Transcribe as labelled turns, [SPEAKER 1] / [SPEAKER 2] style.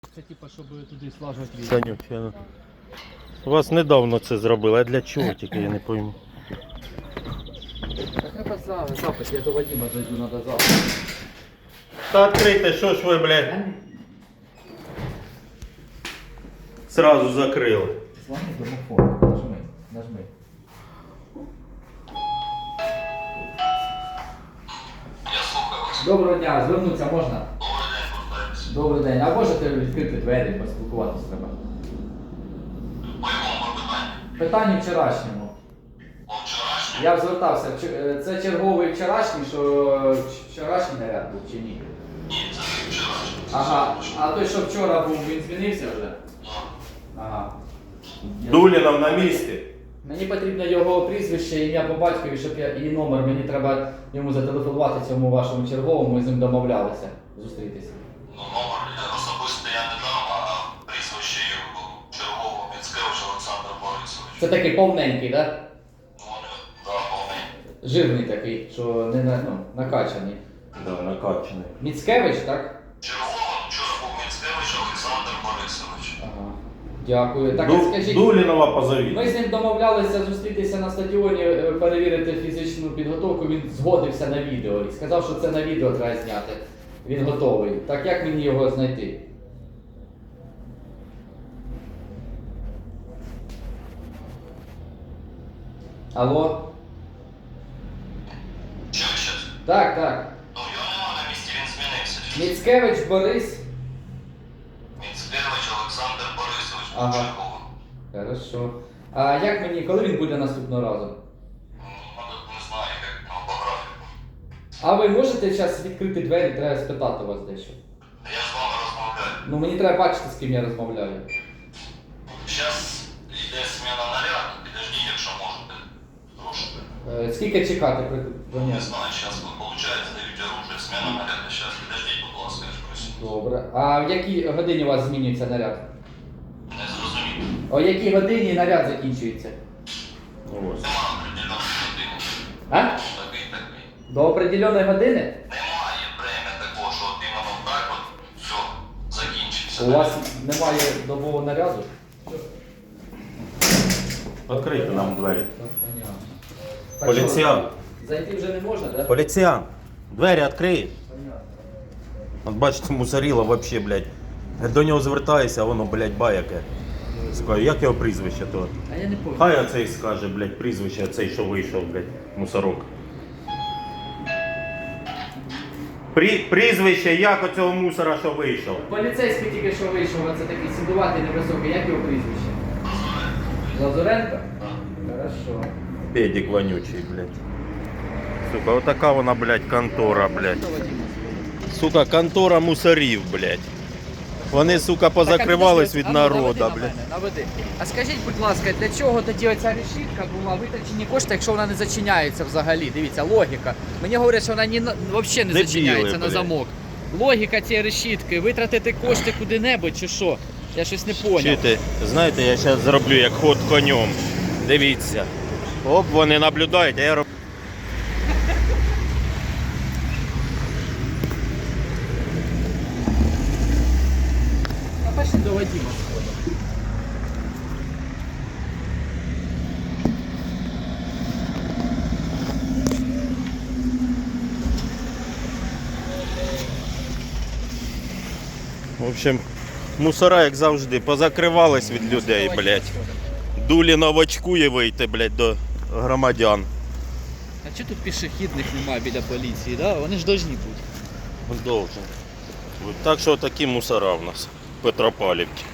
[SPEAKER 1] Це типа, щоб туди слажувати війну.
[SPEAKER 2] Санюк, я... У вас недавно це зробили, а для чого тільки я не пойму.
[SPEAKER 1] Так треба запит, я до Вадима зайду, треба запит.
[SPEAKER 2] Та відкрийте, що ж ви, блядь, сразу закрили.
[SPEAKER 1] Звони домофон, нажми. Доброго дня, звернутися можна? Добрий день. А можете відкрити двері, поспілкуватися треба? Питання вчорашньому. Я звертався. Це черговий вчорашній, що вчорашній наряд був чи ні?
[SPEAKER 3] Ні, це не вчорашній.
[SPEAKER 1] Ага. А той, що вчора був, він змінився вже? Ага.
[SPEAKER 2] Дулінов на місці.
[SPEAKER 1] Мені потрібно його прізвище, ім'я по батькові, щоб я і номер. Мені треба йому зателефонувати цьому вашому черговому, ми з ним домовлялися зустрітися.
[SPEAKER 3] Ну, номер особисто я не дам, а прізвище його чергового Міцкевич Олександр Борисович.
[SPEAKER 1] Це такий повненький, так? Да?
[SPEAKER 3] Ну, вони, да, повний.
[SPEAKER 1] Жирний такий, що не накачаний.
[SPEAKER 2] Да, накачаний.
[SPEAKER 1] Міцкевич, так?
[SPEAKER 3] Чергового вчора був Міцкевич Олександр Борисович.
[SPEAKER 1] Ага. Дякую. Так, скажіть,
[SPEAKER 2] Дулінова позовіть.
[SPEAKER 1] ми з ним домовлялися зустрітися на стадіоні, перевірити фізичну підготовку. Він згодився на відео і сказав, що це на відео треба зняти. Він готовий. Так як мені його знайти? Алло?
[SPEAKER 3] Що ви щас?
[SPEAKER 1] Так, так.
[SPEAKER 3] Ну, його нема на місці, він змінився.
[SPEAKER 1] Міцкевич Борис.
[SPEAKER 3] Міцкевич Олександр Борисович був
[SPEAKER 1] Ага.
[SPEAKER 3] черговий.
[SPEAKER 1] Хорошо. А як мені, коли він буде наступного разу?
[SPEAKER 3] Ну, не знаю, як ну, по графіку.
[SPEAKER 1] А ви можете зараз відкрити двері, треба спитати у вас дещо.
[SPEAKER 3] Я з вами розмовляю.
[SPEAKER 1] Ну мені треба бачити, з ким я розмовляю.
[SPEAKER 3] Зараз йде зміна наряду, підождіть, якщо можете. Трошки.
[SPEAKER 1] Скільки чекати при
[SPEAKER 3] Не
[SPEAKER 1] броні?
[SPEAKER 3] знаю, зараз, виходить, дають оружие, зміна наряду. Зараз, підождіть, будь ласка, я ж просив.
[SPEAKER 1] Добре. А в якій годині у вас змінюється наряд?
[SPEAKER 3] Не зрозумів.
[SPEAKER 1] О якій годині наряд закінчується?
[SPEAKER 2] Ось.
[SPEAKER 3] Нема определеної години.
[SPEAKER 1] А?
[SPEAKER 3] Такий.
[SPEAKER 1] До определеної години?
[SPEAKER 3] Немає время такого, що от іменно так от все закінчиться.
[SPEAKER 1] У вас немає добового наряду?
[SPEAKER 2] Відкрийте нам двері.
[SPEAKER 1] Так, понятно. Так
[SPEAKER 2] Поліціян.
[SPEAKER 1] що, зайти вже не можна, так?
[SPEAKER 2] Поліціян. Двері відкрий.
[SPEAKER 1] Понятно.
[SPEAKER 2] От бачите, мусоріло вообще, блядь. До нього звертаюся, а воно, блядь, баяке. Скажу, як його прізвище то?
[SPEAKER 1] А я не пам'ятаю.
[SPEAKER 2] Хай оцей скаже, блядь, прізвище, оцей, що вийшов, блядь, мусорок. Прізвище, як оцього мусора, що вийшов?
[SPEAKER 1] Поліцейський тільки що вийшов, а це такий сідуватий невисокий. Як його прізвище? Лазуренко? Хорошо.
[SPEAKER 2] Педик вонючий, блядь. Сука, отака вона, блядь, контора, блядь.
[SPEAKER 1] Що, Вадим?
[SPEAKER 2] Сука, контора мусорів, блядь. Вони, сука, позакривались від народа, блядь.
[SPEAKER 1] Наведи. А скажіть, будь ласка, для чого тоді оця решітка була витрачені кошти, якщо вона не зачиняється взагалі? Дивіться, логіка. Мені говорять, що вона взагалі не
[SPEAKER 2] Дебіли,
[SPEAKER 1] зачиняється на
[SPEAKER 2] блядь.
[SPEAKER 1] замок. Логіка цієї решітки, витратити кошти куди-небудь чи що? Я щось не поняв.
[SPEAKER 2] Чуєте, знаєте, я зараз зроблю як ход конем. Дивіться. Оп, вони наблюдають, а я роблю.
[SPEAKER 1] А пошли до Вадима сходимо.
[SPEAKER 2] В общем, мусора, як завжди, позакривались від людей, блядь. Дулінов очкує вийти, блядь, до громадян.
[SPEAKER 1] А чого тут пішохідних немає біля поліції, да? Вони ж повинні бути.
[SPEAKER 2] Должен. Так що такі мусора в нас в Петропавлівці.